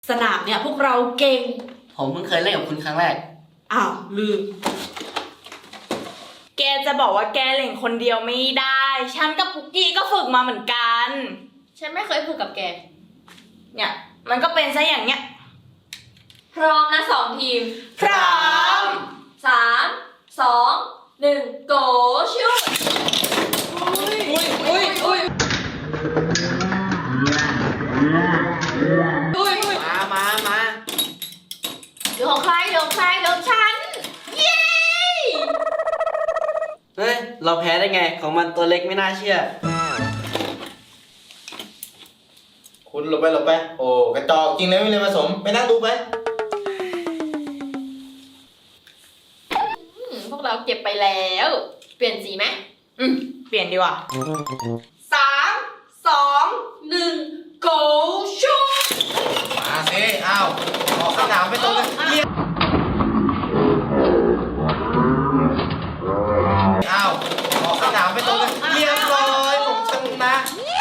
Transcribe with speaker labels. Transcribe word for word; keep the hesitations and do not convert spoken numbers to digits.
Speaker 1: สนามเนี่ยพวกเราเก่ง
Speaker 2: ผมเพิ่งเคยเล่นกับคุณครั้งแรก
Speaker 1: อ้าวลืม
Speaker 3: แกจะบอกว่าแกเล่นคนเดียวไม่ได้ฉันกับปุกกี้ก็ฝึกมาเหมือนกัน
Speaker 4: ฉันไม่เคยฝึกกับแก
Speaker 3: เนี่ยมันก็เป็นซะอย่างเนี้ย
Speaker 4: พร้อมนะสองทีม
Speaker 3: พร้อม
Speaker 4: สามสองหนึ่งโกชุด
Speaker 3: อุ้ยอุ้ยอุ้ยอุ้ย
Speaker 2: มามามา
Speaker 4: เดี๋ยวของใครเดี๋ยวของใครเดี๋ยวของฉันเย้
Speaker 2: เฮ้ยเราแพ้ได้ไงของมันตัวเล็กไม่น่าเชื่อ
Speaker 5: คุณหลบไปหลบไปโอ้กระจอกจริงเลยไม่เลยผสมไปนั่งดูไป
Speaker 4: พวกเราเก็บไปแล้วเปลี่ยนสีไหม
Speaker 3: อืมเปลี่ยนดีกว่าสามสองหนึ่ง go shoot
Speaker 5: มาสิอ้าวออกสนามไปตรงกันเรียกอ้าวออกสนามไปตรงกันเรียบร้อยผมชนะ